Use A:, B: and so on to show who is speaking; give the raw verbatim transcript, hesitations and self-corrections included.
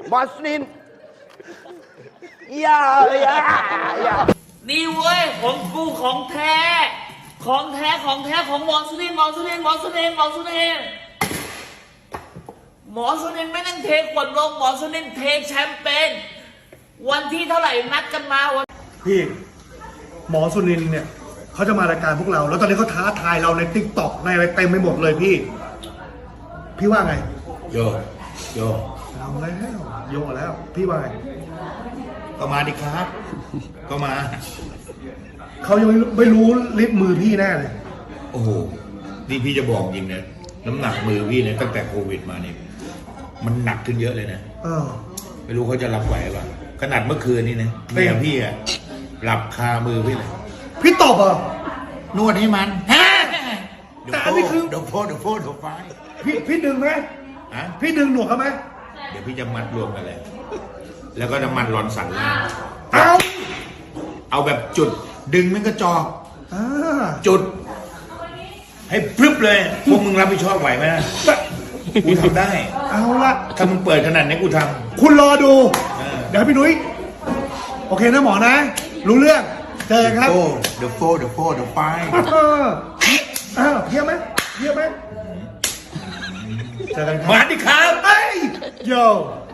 A: บอสนินอย่าอย่าอย่า
B: นี่เว้ยของกูของแท้ ของแท้ของแท้ของหมอสุนินหมอสุนินหมอสุนินหมอสุนินหมอสุนินไม่นั่งเทขวดลงหมอสุนินเทแชมเปญวันที่เท่าไหร่นัดกันมาวัน
C: พี่หมอสุนินท์เนี่ยเขาจะมารายการพวกเรา แล้วตอนนี้เขาท้าทายเราในติ๊กต็อกในอะไรเต็มไปหมดเลยพี่ พี่ว่าไง
D: โยโย
C: เอาแล้วโยกแล้ว พี่ว่าไง
D: ก็มาดิครับ ก็มา
C: เขายังไม่รู้ไม่รู้ลิฟต์มือพี่แน่เลย
D: โอ้โหนี่พี่จะบอกจริงนะน้ำหนักมือพี่เนี่ยตั้งแต่โควิดมาเนี่ยมันหนักขึ้นเยอะเลยนะ
C: เออ
D: ไม่รู้เขาจะรับไหวป่ะขนาดเมื่อคืนนี้นะเมียพี่อะหลับคามือพี่เลย
C: พี่ตบเหรอ่ะ
D: นวดให้มัน
C: แต่อันนี้คือ
D: เดี๋ยวโฟเดี๋ยวโฟเดี๋ยวไฟ
C: พี่พี่ดึงไหม
D: ฮะ
C: พี่ดึงหนวดเขาไหม
D: เดี๋ยวพี่จะมัดรวมกันเลย แล้วก็น้ำมันร้อนสันล่าง
C: เอา
D: เอาแบบจุดดึงมันก็จอก
C: อ่า
D: จุด ให้พรึบเลย พวกมึงรับผิดชอบไหวไหมนะกูทำได้
C: เอาละ
D: ถ้ามึงเปิดขนาดนี้กูท
C: คุณรอดู
D: เออ
C: เดี๋ยวให้พี่นุ้ยโอเคนะหมอนะ รู้เรื่องเจอกันครับ
D: โอ้เดี๋ยวโฟเดี๋ยวโฟเดี๋ยวไฟ
C: เอออ้าวเยี่ยมไหมเยี่ยมไหมเจอกันครับ
D: มาดิครับ
C: เฮ้ยโย